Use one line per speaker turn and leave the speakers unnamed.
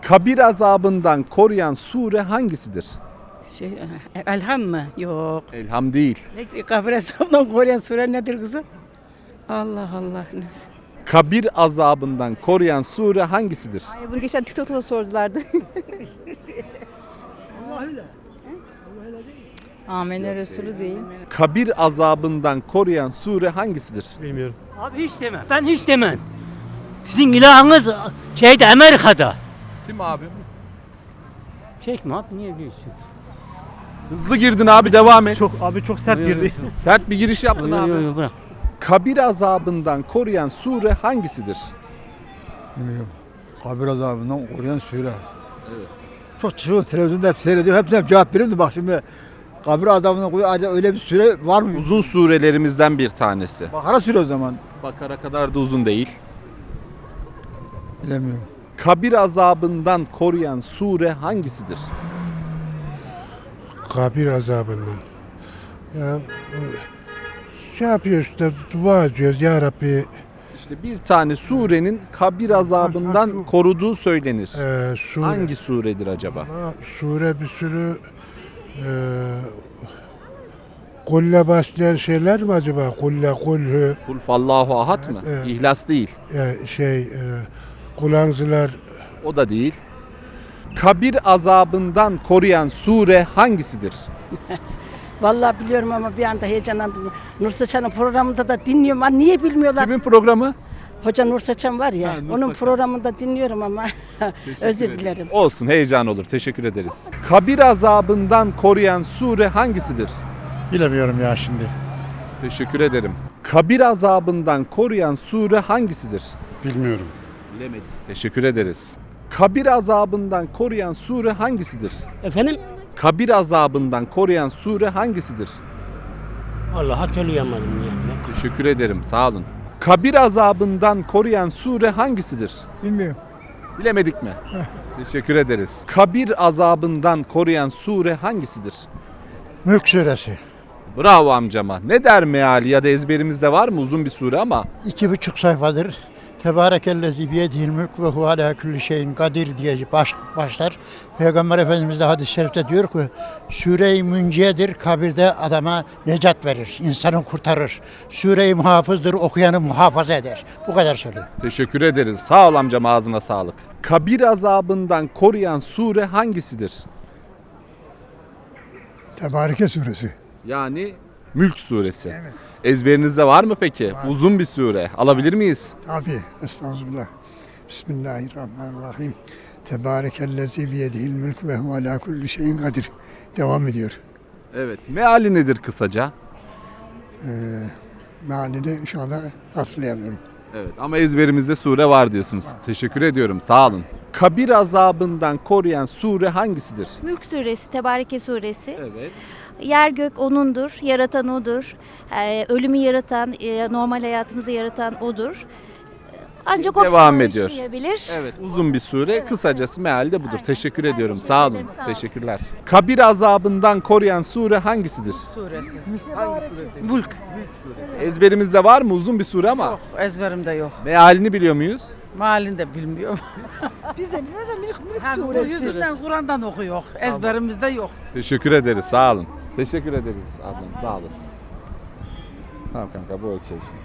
Kabir azabından koruyan sure hangisidir?
Elham mı? Yok.
Elham değil.
Kabir azabından koruyan sure nedir kızım? Allah Allah.
Kabir azabından koruyan sure hangisidir?
Ay, bunu geçen TikTok'ta sordulardı.
Amene Resulü değil.
Kabir azabından koruyan sure hangisidir?
Bilmiyorum.
Abi hiç deme. Ben hiç demem. Sizin ilahınız şeyde Amerika'da.
Kim abi?
Çekme abi niye diyorsun?
Hızlı girdin abi, devam et.
Çok sert girdi.
Sert bir giriş yaptın
Yok,
abi.
yok, yok, bırak.
Kabir azabından koruyan sure hangisidir?
Bilmiyorum. Kabir azabından koruyan sure. Evet. Çok çıkıyor televizyonda hep seyrediyor. Hepsine cevap veriyorum da bak şimdi kabir azabından koruyan öyle bir süre var mı?
Uzun surelerimizden bir tanesi.
Bakara süre o zaman.
Bakara kadar da uzun değil.
Bilemiyorum.
Kabir azabından koruyan sure hangisidir?
Kabir azabından. Ya şey yapıyor işte, dua ediyoruz ya Rabbi.
İşte bir tane surenin kabir azabından koruduğu söylenir.
Sure.
Hangi suredir acaba?
Ama sure bir sürü kulle başlayan şeyler mi acaba? Kulle, kulhü,
Kul fallahu ahad mı?
Evet.
İhlas değil.
kulağınızlar.
O da değil. Kabir azabından koruyan sure hangisidir?
Vallahi biliyorum ama bir anda heyecanlandım. Nur Saçan'ın programında da dinliyorum. Ama niye bilmiyorlar?
Kimin programı?
Hoca Nur Saçan var ya.
Ha, Nur
onun
Saçan.
programında dinliyorum ama özür dilerim.
Olsun, heyecan olur. Teşekkür ederiz. Kabir azabından koruyan sure hangisidir?
Bilemiyorum ya şimdi.
Teşekkür ederim. Kabir azabından koruyan sure hangisidir?
Bilmiyorum.
Bilemedim. Teşekkür ederiz. Kabir azabından koruyan sure hangisidir?
Efendim?
Kabir azabından koruyan sure hangisidir?
Vallahi hatırlayamadım yani.
Teşekkür ederim. Sağ olun. Kabir azabından koruyan sure hangisidir?
Bilmiyorum.
Bilemedik mi? Teşekkür ederiz. Kabir azabından koruyan sure hangisidir?
Mülk suresi.
Bravo amcama. Ne der meali ya da ezberimizde var mı, uzun bir sure ama
2,5 sayfadır. Tebarekellezi biyedihil mülk ve hu ala kulli şeyin kadir diye başlar. Peygamber Efendimiz de hadis-i şerifte diyor ki Sure-i Münciye'dir, kabirde adama necat verir, insanı kurtarır. Sure-i Muhafız'dır, okuyanı muhafaza eder. Bu kadar söylüyor.
teşekkür ederiz. Sağ ol amcam, ağzına sağlık. Kabir azabından koruyan sure hangisidir?
Tebareke suresi.
Yani Mülk suresi. Evet. Ezberinizde var mı peki? Var. Uzun bir sure. Alabilir miyiz?
Tabi. Estağfurullah. Bismillahirrahmanirrahim. Tebarekellezi biyedihil mülk ve hu ala kulli şeyin kadir. Devam ediyor.
Evet. Meali nedir kısaca?
Mealini şu anda hatırlayamıyorum.
Evet, ama ezberimizde sure var diyorsunuz. Teşekkür ediyorum. Sağ olun. Kabir azabından koruyan sure hangisidir?
Mülk suresi, Tebareke suresi.
Evet.
Yer gök O'nundur, yaratan O'dur. Ölümü yaratan, normal hayatımızı yaratan O'dur. Ancak o
Devam
bizi
ediyor.
bağışlayabilir.
Evet, uzun bir sure.
Evet,
Kısacası meali de budur.
Aynen.
Teşekkür
Ben
ediyorum.
teşekkür
Sağ olun.
ederim, sağ olun.
Teşekkürler. Kabir azabından koruyan sure hangisidir?
Suresi.
Hangi sure?
Mülk.
Ezberimizde var mı, uzun bir sure ama?
Yok, ezberimde yok.
Mealini biliyor muyuz?
Malini de bilmiyorum.
Biz de bilmiyoruz da mülk
Bu
suresi.
yüzünden Kur'an'dan okuyor. Ezberimizde yok.
Teşekkür ederiz. Sağ olun. Teşekkür ederiz ablam. Sağ olasın. Tamam kanka, bu okey şimdi.